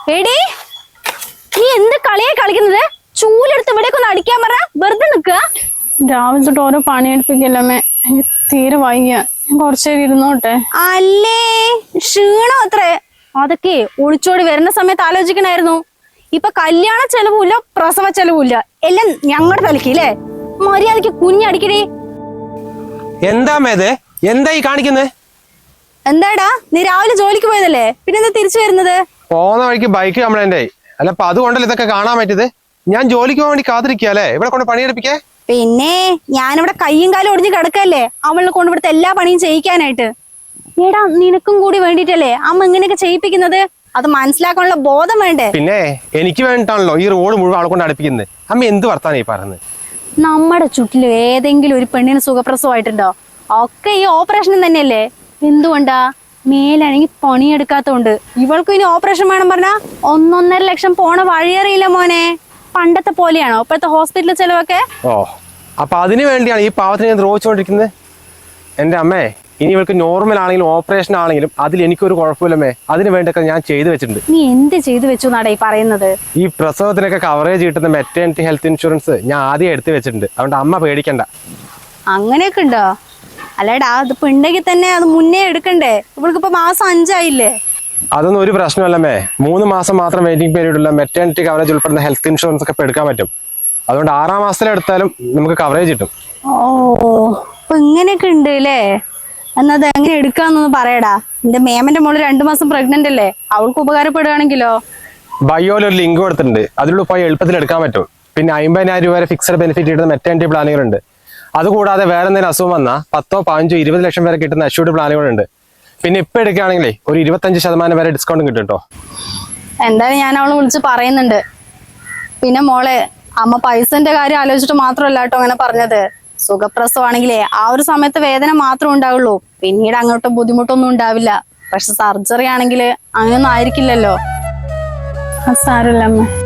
എടി നീ എന്ത് കളിയാ കളിക്കുന്നത്? ചൂലെടുത്ത് ഇവിടേക്ക് ഒന്ന് അടിക്കാൻ പറ. വെറുതെ നിക്കുക. രാവിലെ തൊട്ട് ഓരോ പണി എടുപ്പിക്കല്ലമ്മേ. എനിക്ക് തീരെ വയ്യ. ഞാൻ കുറച്ചേരം ഇരുന്നോട്ടെ. അല്ലേ ക്ഷീണം അത്രേ. അതൊക്കെ ഒളിച്ചോടി വരുന്ന സമയത്ത് ആലോചിക്കണായിരുന്നു. ഇപ്പൊ കല്യാണ ചെലവുമില്ല, പ്രസവ ചെലവുമില്ല, എല്ലാം ഞങ്ങളുടെ തലക്ക് അല്ലേ. മര്യാദക്ക് കുഞ്ഞടിക്കടി. എന്താ മേത് എന്താ ഈ കാണിക്കുന്നത്? എന്താടാ നീ രാവിലെ ജോലിക്ക് പോയതല്ലേ, പിന്നെ എന്താ തിരിച്ചു വരുന്നത്? പോകുന്ന വഴിക്ക് ബൈക്ക് കംപ്ലൈന്റ് ആയി. അല്ല അപ്പൊ അതുകൊണ്ടല്ലേ ഇതൊക്കെ കാണാൻ പറ്റിയത്? ഞാൻ ജോലിക്ക് പോകാൻ വേണ്ടി കാത്തിരിക്കല്ലേ, ഇവിടെ കൊണ്ട് പണിയെടുപ്പിക്കേ. പിന്നെ ഞാനിവിടെ കയ്യും കാലും ഒടിഞ്ഞ് കിടക്കല്ലേ അവളെ കൊണ്ട് ഇവിടുത്തെ എല്ലാ പണിയും ചെയ്യിക്കാനായിട്ട്. എടാ നിനക്കും കൂടി വേണ്ടിട്ടല്ലേ അമ്മ ഇങ്ങനെയൊക്കെ ചെയ്യിപ്പിക്കുന്നത്. അത് മനസ്സിലാക്കാനുള്ള ബോധം വേണ്ടേ? പിന്നെ എനിക്ക് വേണ്ടിട്ടാണല്ലോ ഈ റോഡ് മുഴുവൻ ആളെ കൊണ്ട് അടുപ്പിക്കുന്നത്. അമ്മ എന്ത് വർത്താനം ഈ പറയുന്നത്? നമ്മുടെ ചുറ്റില് ഏതെങ്കിലും ഒരു പെണ്ണിന് സുഖപ്രസവമായിട്ടുണ്ടോ? ഒക്കെ ഈ ഓപ്പറേഷൻ തന്നെയല്ലേ. എന്തുകൊണ്ടാ? മേലാണെങ്കിൽ പണിയെടുക്കാത്തോണ്ട്. ഇവൾക്കും ഇനി ഓപ്പറേഷൻ വേണം പറഞ്ഞാ 1.5 ലക്ഷം പോണ വഴിയറിയില്ല മോനെ. പണ്ടത്തെ പോലെയാണോ ഇപ്പോഴത്തെ ഹോസ്പിറ്റൽ ചെലവൊക്കെ? ഓ അപ്പൊ അതിനു വേണ്ടിയാണ് ഈ പാവത്തിന് ഞാൻ ദ്രോഹിച്ചുകൊണ്ടിരിക്കുന്നത്. എന്റെ അമ്മേ, ഇനി ഇവൾക്ക് നോർമൽ ആണെങ്കിലും ഓപ്പറേഷൻ ആണെങ്കിലും അതിൽ എനിക്കൊരു കുഴപ്പമില്ലമ്മേ. അതിന് വേണ്ടിയൊക്കെ ഞാൻ ചെയ്തു വെച്ചിട്ടുണ്ട്. നീ എന്ത് ചെയ്തു വെച്ചു എന്നാടാ ഈ പറയുന്നത്? ഈ പ്രസവത്തിനൊക്കെ കവറേജ് കിട്ടുന്ന മെറ്റേണിറ്റി ഹെൽത്ത് ഇൻഷുറൻസ് ഞാൻ ആദ്യം എടുത്തു വെച്ചിട്ടുണ്ട്. അതുകൊണ്ട് അമ്മ പേടിക്കണ്ട. അങ്ങനെയൊക്കെ ഉണ്ടോ? അല്ലേടാ അതിപ്പോ ഉണ്ടെങ്കിൽ തന്നെ അത് മുന്നേ എടുക്കണ്ടേ? ഇവൾക്കിപ്പോ മാസം 5 ആയില്ലേ. അതൊന്നും ഒരു പ്രശ്നമല്ലമ്മേ. 3 മാസം മാത്രം വെയിറ്റിംഗ് പീരീഡ് ഉള്ള മെറ്റേണിറ്റി കവറേജ് ഉൾപ്പെടുന്ന ഹെൽത്ത് ഇൻഷുറൻസ് ഒക്കെ ഇപ്പൊ എടുക്കാൻ പറ്റും. അതുകൊണ്ട് 6-ാം മാസത്തിലെടുത്താലും നമുക്ക് കവറേജ് കിട്ടും. ഓ അപ്പൊ ഇങ്ങനെയൊക്കെ ഉണ്ട് അല്ലേ? എന്നത് എങ്ങനെ എടുക്കാന്നൊന്ന് പറയടാ. എന്റെ മേമന്റെ മോള് 2 മാസം പ്രഗ്നന്റ് അല്ലേ, അവൾക്ക് ഉപകാരപ്പെടുകയാണെങ്കിലോ? ബയോയിൽ ഒരു ലിങ്ക് കൊടുത്തിട്ടുണ്ട്. അതിലൂടെ പോയി എളുപ്പത്തിൽ എടുക്കാൻ പറ്റും. പിന്നെ 50,000 രൂപ വരെ ഫിക്സഡ് ബെനിഫിറ്റ് കിട്ടുന്ന മെറ്റേണിറ്റി പ്ലാനുകളുണ്ട്. അതുകൂടാതെ വേറെ എന്തെങ്കിലും അസുഖം വന്നാൽ 10, 15, 20 ലക്ഷം വരെ കിട്ടുന്ന അഷ്യൂർഡ് പ്ലാനുകളുണ്ട്. പിന്നെ ഇപ്പൊ എടുക്കുകയാണെങ്കിലേ ഒരു 25% വരെ ഡിസ്കൗണ്ട് കിട്ടും കേട്ടോ. എന്തായാലും ഞാൻ അവളെ വിളിച്ച് പറയുന്നുണ്ട്. പിന്നെ മോളെ, അമ്മ പൈസന്റെ കാര്യം ആലോചിച്ചിട്ട് മാത്രമല്ല കേട്ടോ അങ്ങനെ പറഞ്ഞത്. സുഖപ്രസവാണെങ്കിലേ ആ ഒരു സമയത്ത് വേദന മാത്രമേ ഉണ്ടാവുള്ളൂ, പിന്നീട് അങ്ങോട്ട് ബുദ്ധിമുട്ടൊന്നും ഉണ്ടാവില്ല. പക്ഷെ സർജറി ആണെങ്കിൽ അങ്ങനെയൊന്നും ആയിരിക്കില്ലല്ലോ. അത് സാരമില്ല അമ്മ.